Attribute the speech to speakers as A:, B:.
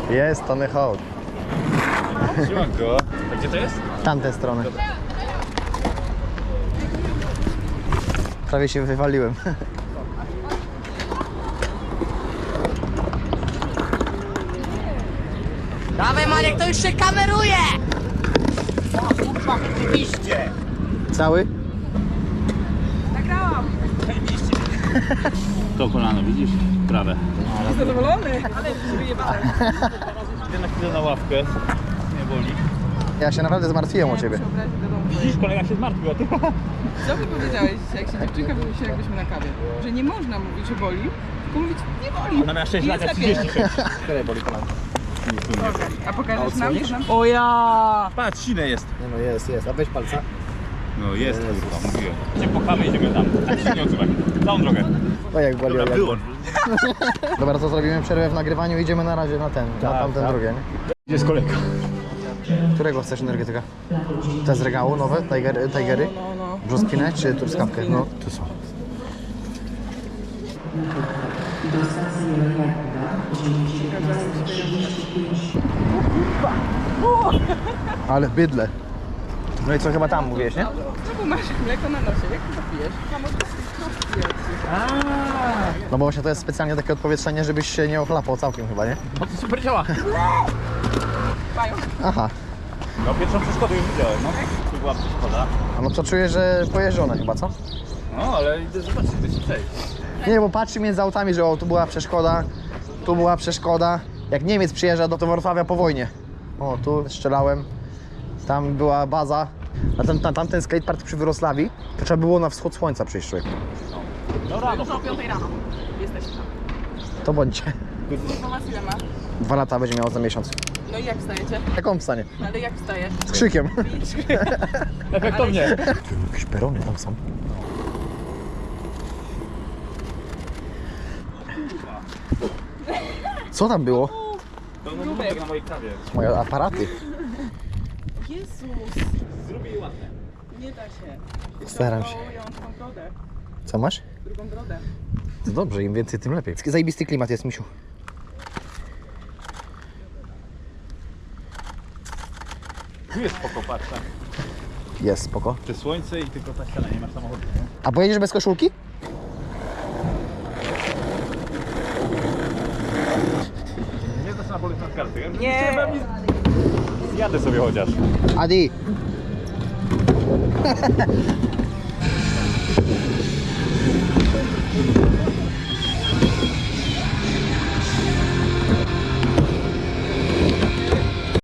A: Jest Tony Hawk.
B: Siemanko. A gdzie to jest?
A: Tamtej strony. Prawie się wywaliłem.
C: Dawaj Maniek, to już się kameruje!
A: Cały?
C: Nagrałam!
B: To kolano, widzisz? Prawe.
C: Zadowolony? Ale się wyjebałem.
B: Idę na chwilę na ławkę. Nie boli.
A: Ja się naprawdę zmartwiłem o ciebie.
B: Widzisz, kolega się zmartwił, a ty...
D: Co by powiedziałeś, jak się dziewczynka wymyśli, jakbyśmy na kawie? Że nie można mówić, że boli, tylko mówić nie boli.
B: Ona miała 6 lat, jak
D: Jest lepiej.
B: 36.
A: Które boli kolano?
D: A pokażesz nam? O ja!
B: Patrz, sine jest.
A: Nie no jest. A weź palca.
B: No jest, kurwa, mówiłem. Gdzie pukamy, idziemy tam. Tak się nie odzywaj. Całą drogę.
A: O jak boli.
B: Dobra,
A: jak
B: wyłącz.
A: Dobra, to zrobimy przerwę w nagrywaniu i idziemy na razie na ten, na tamten drugie, nie?
B: Gdzie jest kolega?
A: Którego chcesz energetyka? Te z regału nowe? Tigery?
D: No.
A: Brzoskwinę czy truskawkę? No, tu są. Ale bydle. No i co, chyba tam mówiłeś, nie?
D: No bo masz mleko na nosie, jak to pijesz?
A: No bo właśnie to jest specjalnie takie odpowietrzenie, żebyś się nie ochlapał całkiem chyba, nie?
B: No to super działa.
D: Mają.
A: Aha.
B: No pierwszą przeszkodę już widziałem, no. Tu była przeszkoda.
A: A no to czuję, że pojeżdżone chyba, co?
B: No, ale idę zobaczyć, gdzie się przejść.
A: Nie, bo patrzy między autami, że o, tu była przeszkoda. Jak Niemiec przyjeżdża do Wrocławia po wojnie. O, tu strzelałem. Tam była baza. Na tamten skatepark przy Wrocławii, to trzeba było na wschód słońca przyjść, człowiek.
B: Dobra, no.
D: O 5 rano. Jesteśmy tam.
A: To bądźcie.
D: Informację ile ma?
A: 2 lata będzie miało za miesiąc.
D: No i jak wstajecie?
A: Jak on wstanie?
D: Ale jak wstajesz?
A: Z krzykiem.
B: Efektownie.
A: Jakieś perony tam są. Co tam było?
B: Pełno numerek na mojej kawie.
A: Moje aparaty.
D: Jezus!
B: Zrobię je ładne.
D: Nie da się.
A: Staram się.
D: Ja mam tą brodę.
A: Co masz?
D: Drugą brodę.
A: To dobrze, im więcej, tym lepiej. Zajebisty klimat jest, misiu.
B: Tu jest spoko, patrz, tak.
A: Jest, spoko.
B: Czy słońce i tylko ta ściana, nie masz samochodu, nie?
A: A pojedziesz bez koszulki?
B: Nie znasz na boleć nad kartę.
D: Nie.
B: Zjadę sobie chociaż.
A: Adi!